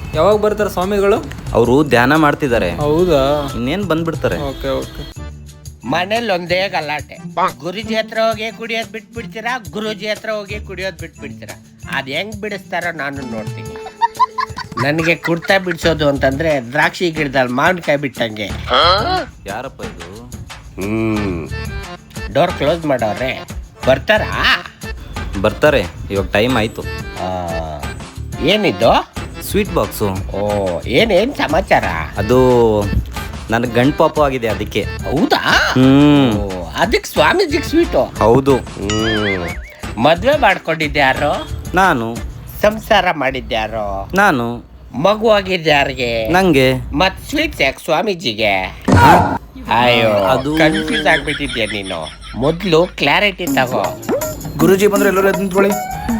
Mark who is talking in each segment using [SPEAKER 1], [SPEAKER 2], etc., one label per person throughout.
[SPEAKER 1] ಯಾವಾಗ ಬರ್ತಾರೆ ಸ್ವಾಮಿಗಳು?
[SPEAKER 2] ಅವರು ಧ್ಯಾನ ಮಾಡ್ತಿದ್ದಾರೆ.
[SPEAKER 1] ಹೌದಾ?
[SPEAKER 2] ಇನ್ನೇನ್ ಬಂದ್ಬಿಡ್ತಾರೆ.
[SPEAKER 1] Okay okay.
[SPEAKER 3] ಮನೇಲಿ ಒಂದೇ ಗಲಾಟೆ. ಗುರುಜಿ ಹತ್ರ ಹೋಗಿ ಕುಡಿಯೋದ್ ಬಿಟ್ಬಿಡ್ತೀರಾ, ಗುರುಜಿ ಹತ್ರ ಹೋಗಿ ಕುಡಿಯೋದ್ ಬಿಟ್ಬಿಡ್ತೀರಾ. ಅದ್ ಹೆಂಗ್ ಬಿಡಿಸ್ತಾರೋ ನಾನು ನೋಡ್ತೀನಿ. ನನಗೆ ಕುಡ್ತಾ ಬಿಡ್ಸೋದು ಅಂತಂದ್ರೆ ದ್ರಾಕ್ಷಿ ಗಿಡದಲ್ಲಿ ಮಾವಿನಕಾಯಿ ಬಿಟ್ಟಂಗೆ.
[SPEAKER 2] ಯಾರಪ್ಪ ಇದು?
[SPEAKER 3] ಡೋರ್ ಕ್ಲೋಸ್ ಮಾಡವ್ರೆ. ಬರ್ತಾರಾ?
[SPEAKER 2] ಬರ್ತಾರೆ, ಇವಾಗ ಟೈಮ್ ಆಯ್ತು.
[SPEAKER 3] ಏನಿದ್ದು?
[SPEAKER 2] Sweet box.
[SPEAKER 3] ಓ, ಏನೇನ್ ಸಮಾಚಾರ?
[SPEAKER 2] ಅದು ನನಗೆ ಗಂಡು ಪಾಪ ಆಗಿದೆ, ಅದಕ್ಕೆ.
[SPEAKER 3] ಹೌದಾ? ಅದಕ್ಕೆ ಸ್ವಾಮೀಜಿಗೆ ಸ್ವೀಟು?
[SPEAKER 2] ಹೌದು.
[SPEAKER 3] ಮದ್ವೆ ಮಾಡ್ಕೊಂಡಿದ್ಯಾರೋ?
[SPEAKER 2] ನಾನು.
[SPEAKER 3] ಸಂಸಾರ ಮಾಡಿದ್ಯಾರೋ?
[SPEAKER 2] ನಾನು.
[SPEAKER 3] ಮಗು ಆಗಿದ್ಯಾರಿಗೆ?
[SPEAKER 2] ನಂಗೆ.
[SPEAKER 3] ಮತ್ ಸ್ವೀಟ್ಸ್ ಯಾಕೆ ಸ್ವಾಮೀಜಿಗೆ? ಅಯ್ಯೋ, ಅದು ಕನ್ಫ್ಯೂಸ್ ಆಗ್ಬಿಟ್ಟಿದ್ಯಾ ನೀನು. ಮೊದ್ಲು ಕ್ಲಾರಿಟಿ ತಗೋ.
[SPEAKER 4] ಗುರುಜಿ ಬಂದ್ರೆ ಎಲ್ಲರೂ ಎದ್ದು ನಿಂತ್ಕೊಳ್ಳಿ.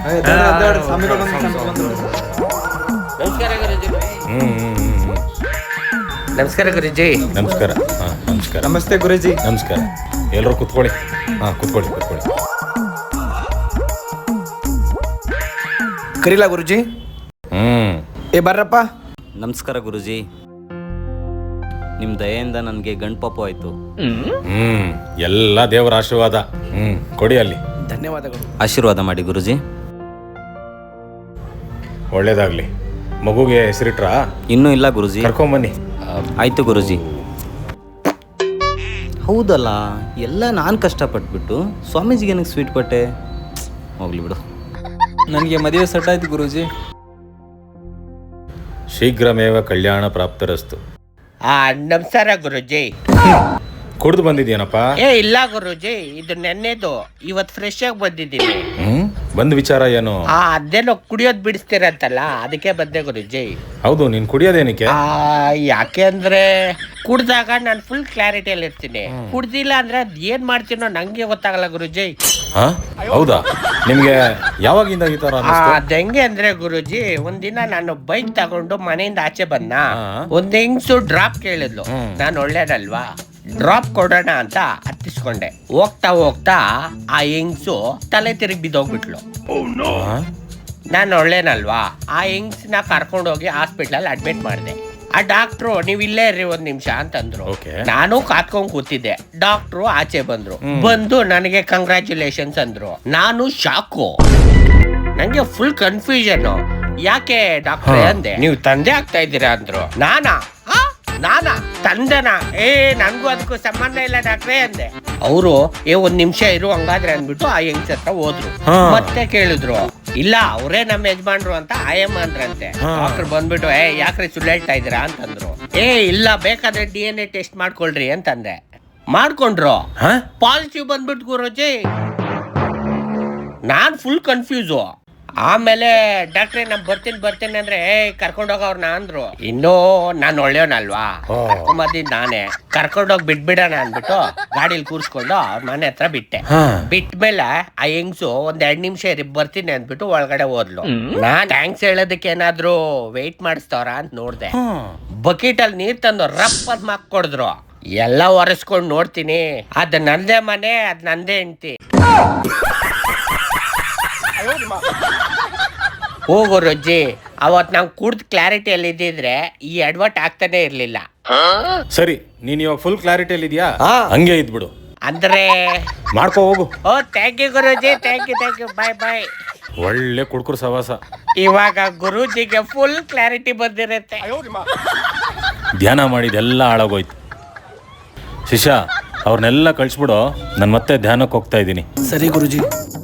[SPEAKER 3] ನಮಸ್ಕಾರ ಗುರುಜಿ. ನಮಸ್ಕಾರ ಗುರುಜಿ.
[SPEAKER 5] ನಮಸ್ಕಾರ. ನಮಸ್ಕಾರ.
[SPEAKER 1] ನಮಸ್ತೆ ಗುರುಜಿ.
[SPEAKER 5] ನಮಸ್ಕಾರ. ಎಲ್ಲರೂ ಕುತ್ಕೊಳ್ಳಿ. ಕುತ್ಕೊಳ್ಳಿ.
[SPEAKER 4] ಕರೀಲಾ ಗುರುಜಿ? ಏ ಬರ್ರಪ್ಪ.
[SPEAKER 2] ನಮಸ್ಕಾರ ಗುರುಜಿ. ನಿಮ್ಮ ದಯೆಯಿಂದ ನನಗೆ ಗಂಡು ಪಾಪ ಆಯ್ತು.
[SPEAKER 5] ಎಲ್ಲ ದೇವರ ಆಶೀರ್ವಾದ. ಕೊಡಿ ಅಲ್ಲಿ.
[SPEAKER 4] ಧನ್ಯವಾದಗಳು.
[SPEAKER 2] ಆಶೀರ್ವಾದ ಮಾಡಿ ಗುರುಜಿ.
[SPEAKER 5] ಒಳ್ಳೇದಾಗ್ಲಿ. ಮಗುಗೆ ಹೆಸರಿಟ್ರಾ?
[SPEAKER 2] ಇನ್ನೂ ಇಲ್ಲ ಗುರುಜಿ.
[SPEAKER 5] ಕರ್ಕೊಂಬನ್ನಿ.
[SPEAKER 2] ಆಯ್ತು ಗುರುಜಿ. ಹೌದಲ್ಲ, ಎಲ್ಲ ನಾನು ಕಷ್ಟಪಟ್ಬಿಟ್ಟು ಸ್ವಾಮೀಜಿಗೆ ನನಗೆ ಸ್ವೀಟ್ ಕೊಟ್ಟೆ. ಹೋಗ್ಲಿ ಬಿಡು.
[SPEAKER 1] ನನಗೆ ಮದುವೆ ಸೆಟ್ ಆಯ್ತು ಗುರುಜಿ.
[SPEAKER 5] ಶೀಘ್ರಮೇವ ಕಲ್ಯಾಣ ಪ್ರಾಪ್ತರಸ್ತು.
[SPEAKER 3] ನಮಸ್ಕಾರ ಗುರುಜಿ.
[SPEAKER 5] ಕುಡ್ದು ಬಂದಿದ್ಯಾನಪ್ಪ?
[SPEAKER 3] ಇಲ್ಲ ಗುರುಜಿ, ಇದು ನೆನ್ನೆದು. ಇವತ್ ಫ್ರೆಶ್ ಆಗಿ ಬಂದಿದ್ದೀನಿ.
[SPEAKER 5] ಬಂದ್ ವಿಚಾರ ಏನು?
[SPEAKER 3] ಅದೇನೋ ಕುಡಿಯೋದ್ ಬಿಡಿಸ್ತೀರಂತಲ್ಲ, ಅದಕ್ಕೆ ಬಂದೆ ಗುರುಜಿ.
[SPEAKER 5] ಹೌದು, ನೀನ್ ಕುಡಿಯೋದೇನಕ್ಕೆ?
[SPEAKER 3] ಯಾಕೆ ಅಂದ್ರೆ ಕುಡ್ದಾಗ ನಾನು ಫುಲ್ ಕ್ಲಾರಿಟಿಯಲ್ಲಿ ಇರ್ತೀನಿ. ಕುಡ್ದಿಲ್ಲ ಅಂದ್ರೆ ಅದ್ ಏನ್ ಮಾಡ್ತೀನೋ ನಂಗೆ ಗೊತ್ತಾಗಲ್ಲ ಗುರುಜಿ.
[SPEAKER 5] ಹೌದಾ? ನಿಮ್ಗೆ ಯಾವಾಗಿಂದ ಈ ತರ ಅನ್ನಿಸ್ತು?
[SPEAKER 3] ಅದ್ ಹೆಂಗೆ ಅಂದ್ರೆ ಗುರುಜಿ, ಒಂದಿನ ನಾನು ಬೈಕ್ ತಗೊಂಡು ಮನೆಯಿಂದ ಆಚೆ ಬಂದ. ಒಂದ್ ಹೆಂಗ್ಸು ಡ್ರಾಪ್ ಕೇಳಿದ್ಲು. ನಾನು ಒಳ್ಳೇದಲ್ವಾ, ಡ್ರಾಪ್ ಕೊಡೋಣ ಅಂತ ಹತ್ತಿಸ್ಕೊಂಡೆ. ಹೋಗ್ತಾ ಹೋಗ್ತಾ ಆ ಹೆಂಗ್ಸು ತಲೆ ತಿರುಗಿ ಬಿದ್ದೋಗ್ಬಿಟ್ಲು. ನಾನು ಒಳ್ಳೇನಲ್ವಾ, ಆ ಹೆಂಗ್ಸ್ನ ಕರ್ಕೊಂಡೋಗಿ ಹಾಸ್ಪಿಟ್ಲಲ್ಲಿ ಅಡ್ಮಿಟ್ ಮಾಡಿದೆ. ಆ ಡಾಕ್ಟ್ರು ನೀವ್ ಇಲ್ಲೇ ಇರ್ರಿ ಒಂದ್ ನಿಮಿಷ ಅಂತಂದ್ರು. ನಾನು ಕಾತ್ಕೊಂಡ್ ಕೂತಿದ್ದೆ. ಡಾಕ್ಟ್ರು ಆಚೆ ಬಂದ್ರು. ಬಂದು ನನಗೆ ಕಂಗ್ರ್ಯಾಚುಲೇಷನ್ಸ್ ಅಂದ್ರು. ನಾನು ಶಾಕು. ನಂಗೆ ಫುಲ್ ಕನ್ಫ್ಯೂಷನ್. ಯಾಕೆ ಡಾಕ್ಟ್ರೇ ಅಂದೆ. ನೀವು ತಂದೆ ಆಗ್ತಾ ಇದ್ದೀರಾ ಅಂದ್ರು. ನಾನಾ ತಂದೆನಾ? ನನ್ಗೂ ಅದಕ್ಕೂ ಸಂಬಂಧ ಇಲ್ಲ ಡಾಕ್ಟ್ರೇ ಅಂದೆ. ಅವರು ಒಂದ್ ನಿಮಿಷ ಇರು ಹಂಗಾದ್ರೆ ಅಂದ್ಬಿಟ್ಟು ಆ ಹೆಂಗ್ಸ್ ಹತ್ರ ಹೋದ್ರು. ಮತ್ತೆ ಕೇಳಿದ್ರು. ಇಲ್ಲ, ಅವರೇ ನಮ್ಮ ಯಜಮಾನ್ರು ಅಂತ ಆಯಮ್ಮ ಅಂದ್ರಂತೆ. ಡಾಕ್ಟರ್ ಬಂದ್ಬಿಟ್ಟು ಯಾಕ್ರೆ ಸುಳ್ಳು ಹೇಳ್ತಾ ಇದ್ದೀರಾ ಅಂತಂದ್ರು. ಇಲ್ಲ, ಬೇಕಾದ್ರೆ DNA ಟೆಸ್ಟ್ ಮಾಡ್ಕೊಳ್ರಿ ಅಂತಂದೆ. ಮಾಡ್ಕೊಂಡ್ರು. ಪಾಸಿಟಿವ್ ಬಂದ್ಬಿಟ್ಟು ಗುರುಜಿ. ನಾನ್ ಫುಲ್ ಕನ್ಫ್ಯೂಸು. ಆಮೇಲೆ ಡಾಕ್ಟ್ರೆ ನಾನ್ ಬರ್ತೀನಿ ಅಂದ್ರೆ ಕರ್ಕೊಂಡೋಗವ್ರನ್ನ ಅಂದ್ರು. ಇನ್ನೂ ನಾನು ಒಳ್ಳೆಯವನಲ್ವಾ, ಕರ್ಕೊಂಬಂದಿದ್ ನಾನೇ. ಕರ್ಕೊಂಡೋಗಿ ಬಿಟ್ಬಿಡೋಣ ಅಂದ್ಬಿಟ್ಟು ಗಾಡಿಲಿ ಕೂರ್ಸ್ಕೊಂಡು ಅವ್ರ ಮನೆ ಹತ್ರ ಬಿಟ್ಟೆ. ಬಿಟ್ಮೇಲೆ ಆ ಹೆಂಗ್ಸು ಒಂದ್ 2 ನಿಮಿಷ ಬರ್ತೀನಿ ಅಂದ್ಬಿಟ್ಟು ಒಳಗಡೆ ಹೋದ್ಲು. ನಾನ್ ಥ್ಯಾಂಕ್ಸ್ ಹೇಳೋದಕ್ಕೆ ಏನಾದ್ರು ವೆಯ್ಟ್ ಮಾಡಿಸ್ತವ್ರ ಅಂತ ನೋಡ್ದೆ. ಬಕೆಟ್ ಅಲ್ಲಿ ನೀರ್ ತಂದು ರಪ್ ಅಂತ ಮಾಕ್ಕೊಡಿದ್ರು. ಎಲ್ಲ ಒರೆಸ್ಕೊಂಡ್ ನೋಡ್ತೀನಿ, ಅದ್ ನಂದೇ ಮನೆ, ಅದ್ ನಂದೇ ಹೆಂಡ್ತಿ. ಹೋಗು ರೊಜ್ಜಿ, ಅವತ್ ನಾವು ಕುಡ್ದು ಕ್ಲಾರಿಟಿಯಲ್ಲಿ ಇದ್ದಿದ್ರೆ ಈ ಅಡ್ವರ್ಟ್ ಆಗ್ತಾನೆ ಇರ್ಲಿಲ್ಲ.
[SPEAKER 5] ಸರಿ, ನೀನ್ ಇವಾಗ ಫುಲ್ ಕ್ಲಾರಿಟಿಯಲ್ಲಿ ಇದೆಯಾ? ಹಂಗೆ ಇದ್ಬಿಡು.
[SPEAKER 3] ಅಂದ್ರೆ
[SPEAKER 5] ಮಾಡ್ಕೋ ಹೋಗು.
[SPEAKER 3] Thank you Guruji. Thank you. Bye.
[SPEAKER 5] ಒಳ್ಳೆ ಕುಡ್ಕುರು ಸವಾಸ.
[SPEAKER 3] ಇವಾಗ ಗುರುಜಿಗೆ ಫುಲ್ ಕ್ಲಾರಿಟಿ ಬಂದಿರುತ್ತೆ.
[SPEAKER 5] ಧ್ಯಾನ ಮಾಡಿದೆಲ್ಲ ಹಾಳಾಗೋಯ್ತು. ಶಿಷ್ಯ, ಅವ್ರನ್ನೆಲ್ಲ ಕಳಿಸ್ಬಿಡು. ನಾನು ಮತ್ತೆ ಧ್ಯಾನಕ್ಕೆ ಹೋಗ್ತಾ ಇದ್ದೀನಿ.
[SPEAKER 4] ಸರಿ ಗುರುಜಿ.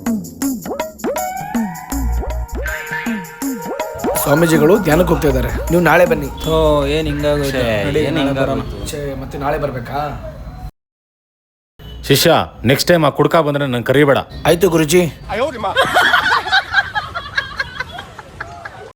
[SPEAKER 4] ಸ್ವಾಮೀಜಿಗಳು ಧ್ಯಾನಕ್ಕೆ ಹೋಗ್ತಾ ಇದ್ದಾರೆ. ನೀವು ನಾಳೆ ಬನ್ನಿ.
[SPEAKER 1] ಏನ್ ಹಿಂಗಾಗೋದು?
[SPEAKER 4] ಮತ್ತೆ ನಾಳೆ ಬರ್ಬೇಕಾ?
[SPEAKER 5] ಶಿಷ್ಯ, ನೆಕ್ಸ್ಟ್ ಟೈಮ್ ಆ ಕುಡ್ಕ ಬಂದ್ರೆ ನಂಗೆ ಕರಿಬೇಡ.
[SPEAKER 4] ಆಯ್ತು ಗುರುಜಿ.